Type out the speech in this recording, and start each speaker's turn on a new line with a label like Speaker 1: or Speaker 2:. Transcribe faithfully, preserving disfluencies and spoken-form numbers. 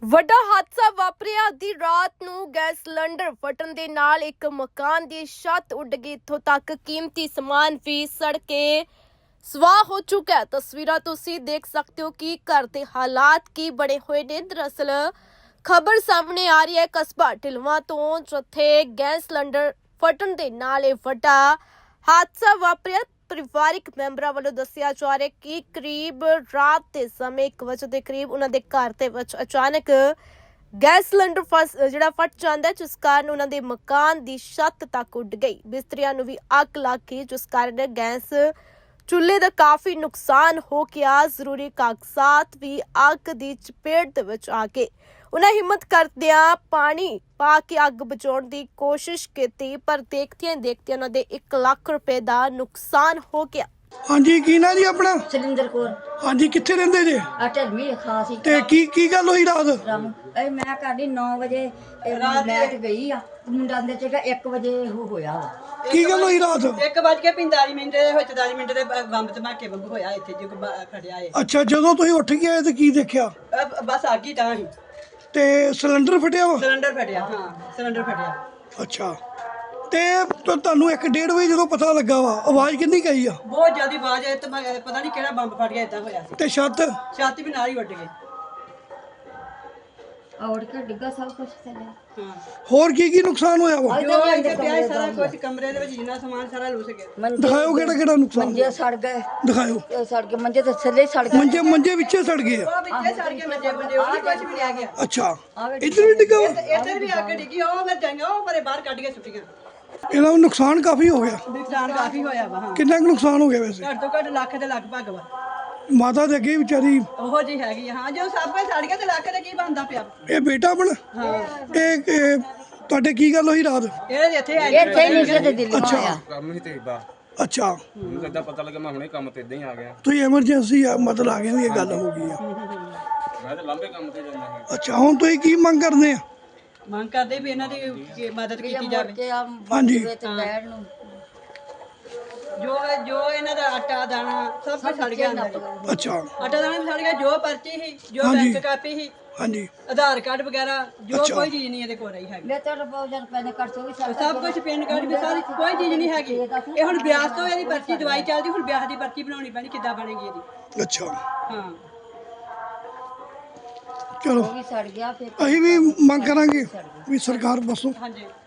Speaker 1: ਵੱਡਾ ਹਾਦਸਾ ਵਾਪਰਿਆ। ਅੱਧੀ ਰਾਤ ਨੂੰ ਗੈਸ ਸਿਲੰਡਰ ਫਟਣ ਦੇ ਨਾਲ ਇੱਕ ਮਕਾਨ ਦੀ ਛੱਤ ਉੱਡ ਗਈ। ਇੱਥੋਂ ਤੱਕ ਕੀਮਤੀ ਸਮਾਨ ਵੀ ਸੜ ਕੇ ਸਵਾਹ ਹੋ ਚੁੱਕਾ ਹੈ। ਤਸਵੀਰਾਂ ਤੁਸੀਂ ਦੇਖ ਸਕਦੇ ਹੋ ਕਿ ਘਰ ਦੇ ਹਾਲਾਤ ਕੀ ਬਣੇ ਹੋਏ ਨੇ। ਦਰਅਸਲ ਖਬਰ ਸਾਹਮਣੇ ਆ ਰਹੀ ਹੈ ਕਸਬਾ ਢਿਲਵਾਂ ਤੋਂ, ਜਿੱਥੇ ਗੈਸ ਸਿਲੰਡਰ ਫਟਣ ਦੇ ਨਾਲ ਇਹ ਵੱਡਾ ਹਾਦਸਾ ਵਾਪਰਿਆ। ਪਰਿਵਾਰਿਕ ਮੈਂਬਰਾਂ ਵੱਲੋਂ ਦੱਸਿਆ ਜਾ ਰਿਹਾ ਕਿ ਕਰੀਬ ਰਾਤ ਦੇ ਸਮੇਂ ਇੱਕ ਵਜੇ ਦੇ ਕਰੀਬ ਉਹਨਾਂ ਦੇ ਘਰ ਦੇ ਵਿੱਚ ਅਚਾਨਕ ਗੈਸ ਸਿਲੰਡਰ ਫਸ ਜਿਹੜਾ ਫਟ ਜਾਂਦਾ, ਜਿਸ ਕਾਰਨ ਉਹਨਾਂ ਦੇ ਮਕਾਨ ਦੀ ਛੱਤ ਤੱਕ ਉੱਡ ਗਈ। ਬਿਸਤਰਿਆਂ ਨੂੰ ਵੀ ਅੱਗ ਲੱਗ ਗਈ, ਜਿਸ ਕਾਰਨ ਗੈਸ ਚੁੱਲ੍ਹੇ ਦਾ ਕਾਫੀ ਨੁਕਸਾਨ ਹੋ ਗਿਆ। ਜ਼ਰੂਰੀ ਕਾਗਜ਼ਾਤ ਵੀ ਅੱਗ ਦੀ ਚਪੇਟ ਦੇ ਵਿੱਚ ਆ ਗਏ। ਉਹਨਾਂ ਹਿੰਮਤ ਕਰਦਿਆਂ ਪਾਣੀ ਪਾ ਕੇ ਅੱਗ ਬੁਝਾਉਣ ਦੀ ਕੋਸ਼ਿਸ਼ ਕੀਤੀ, ਪਰ ਦੇਖਦਿਆਂ ਦੇਖਦਿਆਂ ਉਹਨਾਂ ਦੇ ਇੱਕ ਲੱਖ ਰੁਪਏ ਦਾ ਨੁਕਸਾਨ ਹੋ ਗਿਆ।
Speaker 2: ਹਾਂਜੀ, ਕੀ ਨਾਂ ਜੀ ਆਪਣਾ?
Speaker 3: ਸਿਲਿੰਦਰ ਕੋਲ
Speaker 2: ਹਾਂਜੀ, ਕਿੱਥੇ ਰਹਿੰਦੇ ਜੇ?
Speaker 3: ਆ ਢਲਮੀ ਖਾਸ ਹੀ
Speaker 2: ਤੇ ਕੀ ਕੀ ਗੱਲ ਹੋਈ ਰਾਤ?
Speaker 3: ਰਾਮ ਇਹ ਮੈਂ ਕਰਦੀ ਨੌ ਵਜੇ ਮੈਚ ਗਈ ਆ, ਮੁੰਡਾ ਦੇ ਚ ਇੱਕ ਵਜੇ ਉਹ ਹੋਇਆ ਵਾ।
Speaker 2: ਕੀ ਗੱਲ ਹੋਈ ਰਾਤ?
Speaker 4: ਇੱਕ ਵੱਜ ਕੇ ਪੰਤਾਲੀ ਮਿੰਟ ਦੇ ਵਿੱਚ ਦਸ ਮਿੰਟ ਦੇ ਬੰਬ ਧਮਾਕੇ ਵਾਂਗੂ ਹੋਇਆ ਇੱਥੇ ਜੋ ਖੜਿਆ ਏ।
Speaker 2: ਅੱਛਾ, ਜਦੋਂ ਤੁਸੀਂ ਉੱਠ ਕੇ ਆਏ ਤੇ ਕੀ ਦੇਖਿਆ?
Speaker 4: ਅਹ ਬਸ ਅੱਗ ਹੀ ਤਾਂ ਹੀ
Speaker 2: ਤੇ ਸਿਲੰਡਰ ਫਟਿਆ ਵਾ?
Speaker 4: ਸਿਲੰਡਰ ਫਟਿਆ। ਹਾਂ, ਸਿਲੰਡਰ ਫਟਿਆ।
Speaker 2: ਅੱਛਾ, ਤੇ ਤੁ- ਤੁਹਾਨੂੰ ਇੱਕ ਡੇਢ ਵਜੇ ਜਦੋਂ ਪਤਾ ਲੱਗਾ ਵਾ, ਆਵਾਜ਼ ਕਿੰਨੀ ਕਹੀ ਆ?
Speaker 4: ਬਹੁਤ ਜ਼ਿਆਦਾ ਆਵਾਜ਼ ਆਈ ਤੇ ਮੈਂ ਪਤਾ ਨਹੀਂ ਕਿਹੜਾ ਬੰਬ ਫਟ ਗਿਆ, ਇਦਾਂ ਹੋਇਆ ਸੀ।
Speaker 2: ਤੇ ਛੱਤ?
Speaker 4: ਛੱਤ ਵੀ ਨਾਲ ਹੀ ਉੱਡ ਗਈ।
Speaker 3: ਔੜ ਕੇ ਡਿੱਗਾ ਸਭ ਕੁਝ ਥੱਲੇ।
Speaker 4: ਹਾਂ,
Speaker 2: ਹੋਰ ਕੀ ਕੀ ਨੁਕਸਾਨ ਹੋਇਆ ਵਾ?
Speaker 4: ਜੋ ਇੱਥੇ ਪਿਆ ਸੀ ਸਾਰਾ ਕੁਝ ਕਮਰੇ ਦੇ ਵਿੱਚ ਜਿੰਨਾ ਸਮਾਨ ਸਾਰਾ ਲੁੱਸ ਗਿਆ।
Speaker 3: ਮੰਜੇ
Speaker 2: ਦਿਖਾਓ ਕਿਹੜਾ ਕਿਹੜਾ ਨੁਕਸਾਨ?
Speaker 3: ਮੰਜੇ ਸੜ ਗਏ,
Speaker 2: ਦਿਖਾਓ।
Speaker 3: ਇਹ ਸੜ ਕੇ ਮੰਜੇ ਤੇ ਥੱਲੇ ਸੜ ਗਏ।
Speaker 2: ਮੰਜੇ ਮੰਜੇ ਵਿੱਚੇ ਸੜ ਗਏ ਆ?
Speaker 4: ਉਹ ਵਿੱਚੇ ਸੜ ਕੇ ਮੰਜੇ ਮੰਜੇ ਉਹ ਕੁਝ ਵੀ ਨਹੀਂ ਆ ਗਿਆ।
Speaker 2: ਅੱਛਾ, ਇੱਧਰ ਵੀ ਡਿੱਗਾ ਵਾ?
Speaker 4: ਇੱਧਰ ਵੀ ਅੱਗ ਡਿੱਗੀ, ਉਹ ਫਿਰ ਜਾਈਆਂ ਉਹ ਪਰੇ ਬਾਹਰ ਕੱਢ ਕੇ ਸੁੱਟੀਆਂ।
Speaker 2: ਇਹਦਾ ਵੀ ਨੁਕਸਾਨ ਕਾਫੀ ਹੋ ਗਿਆ।
Speaker 4: ਨੁਕਸਾਨ ਕਾਫੀ ਹੋਇਆ ਵਾ। ਹਾਂ,
Speaker 2: ਕਿੰਨਾ ਕੁ ਨੁਕਸਾਨ ਹੋ ਗਿਆ ਵੈਸੇ?
Speaker 4: ਘੱਟ ਤੋਂ ਘੱਟ ਲੱਖ ਦੇ ਲਗਭਗ ਵਾ।
Speaker 2: ਮਾਤਾ ਦੇ ਅੱਗੇ ਵਿਚਾਰੀ,
Speaker 4: ਉਹੋ ਜੀ ਹੈਗੀ ਆ। ਹਾਂ, ਜੋ ਸਭ ਕੁਝ ਸੜ ਗਿਆ ਤੇ ਲੱਖ ਦੇ ਕੀ ਬਣਦਾ ਪਿਆ।
Speaker 2: ਇਹ ਬੇਟਾ ਆਪਣਾ?
Speaker 4: ਹਾਂ,
Speaker 2: ਇਹ ਇਹ ਤੁਹਾਡੇ ਕੀ ਗੱਲ ਹੋਈ ਰਾਤ?
Speaker 4: ਇਹ ਇੱਥੇ ਆਈ
Speaker 3: ਇਹ ਤੇ ਨਹੀਂ ਤੇ ਦਿੱਲੀ
Speaker 2: ਅੱਛਾ
Speaker 3: ਆਇਆ।
Speaker 5: ਕੰਮ ਹੀ ਤੇ ਇਦਾਂ
Speaker 2: ਅੱਛਾ,
Speaker 5: ਮੈਨੂੰ ਇਦਾਂ ਪਤਾ ਲੱਗਾ, ਮੈਂ ਹੁਣੇ ਕੰਮ ਤੇ ਇਦਾਂ ਹੀ ਆ ਗਿਆ।
Speaker 2: ਤੁਸੀਂ ਐਮਰਜੈਂਸੀ ਆ ਮਤਲਬ ਆ ਗਏ ਵੀ ਇਹ ਗੱਲ ਹੋ ਗਈ ਆ?
Speaker 5: ਮੈਂ ਤਾਂ ਲੰਬੇ ਕੰਮ ਤੇ ਜਾਂਦਾ ਸੀ।
Speaker 2: ਅੱਛਾ, ਹੁਣ ਤੁਸੀਂ ਕੀ ਮੰਗ ਕਰਦੇ ਆ?
Speaker 4: ਮੰਗ ਕਰਦੇ ਵੀ ਇਹਨਾਂ ਦੀ ਕੀ ਮਦਦ ਕੀਤੀ ਜਾਵੇ।
Speaker 3: ਤੇ ਆ
Speaker 2: ਹਾਂਜੀ।
Speaker 3: ਤੇ ਬੈਠ ਨੂੰ
Speaker 4: ਜੋ ਜੋ ਇਹਨਾਂ ਦਾ ਆਟਾ ਦਾਣਾ ਸਭ ਕੁਝ ਸੜ ਗਿਆ ਅੰਦਰ ਹੀ।
Speaker 2: ਅੱਛਾ,
Speaker 4: ਆਟਾ ਦਾਣਾ ਵੀ ਸੜ ਗਿਆ, ਜੋ ਪਰਚੀ ਸੀ, ਜੋ
Speaker 2: ਹਾਂਜੀ।
Speaker 4: ਬੈਂਕ ਕਾਪੀ ਸੀ,
Speaker 2: ਹਾਂਜੀ,
Speaker 4: ਆਧਾਰ ਕਾਰਡ ਵਗੈਰਾ, ਜੋ
Speaker 2: ਅੱਛਾ।
Speaker 4: ਕੋਈ ਚੀਜ਼ ਨਹੀਂ ਇਹਦੇ ਕੋਲ ਰਹੀ ਹੈਗੀ।
Speaker 3: ਲੈ ਤੇ ਬਹੁਤ ਜਨ ਪੈਨੇ ਕਰ ਸੋ ਵੀ ਸੜ
Speaker 4: ਸਭ ਕੁਝ ਪਿੰਡ ਕਾਰਡ ਵੀ ਸਾਰੀ ਕੋਈ ਚੀਜ਼ ਨਹੀਂ ਹੈਗੀ। ਇਹ ਹੁਣ ਵਿਆਹ ਤੋਂ ਇਹਦੀ ਪਰਚੀ ਦਵਾਈ ਚੱਲਦੀ, ਹੁਣ ਵਿਆਹ ਦੀ ਪਰਚੀ ਬਣਾਉਣੀ ਪੈਣੀ, ਕਿੱਦਾਂ ਬਣੇਗੀ ਇਹਦੀ?
Speaker 2: ਅੱਛਾ,
Speaker 4: ਹਾਂ,
Speaker 2: ਚਲੋ
Speaker 3: ਵੀ ਸੜ ਗਿਆ ਫਿਰ
Speaker 2: ਅਸੀਂ ਵੀ ਮੰਗ ਕਰਾਂਗੇ ਵੀ ਸਰਕਾਰ ਬਸੋ
Speaker 4: ਹਾਂਜੀ।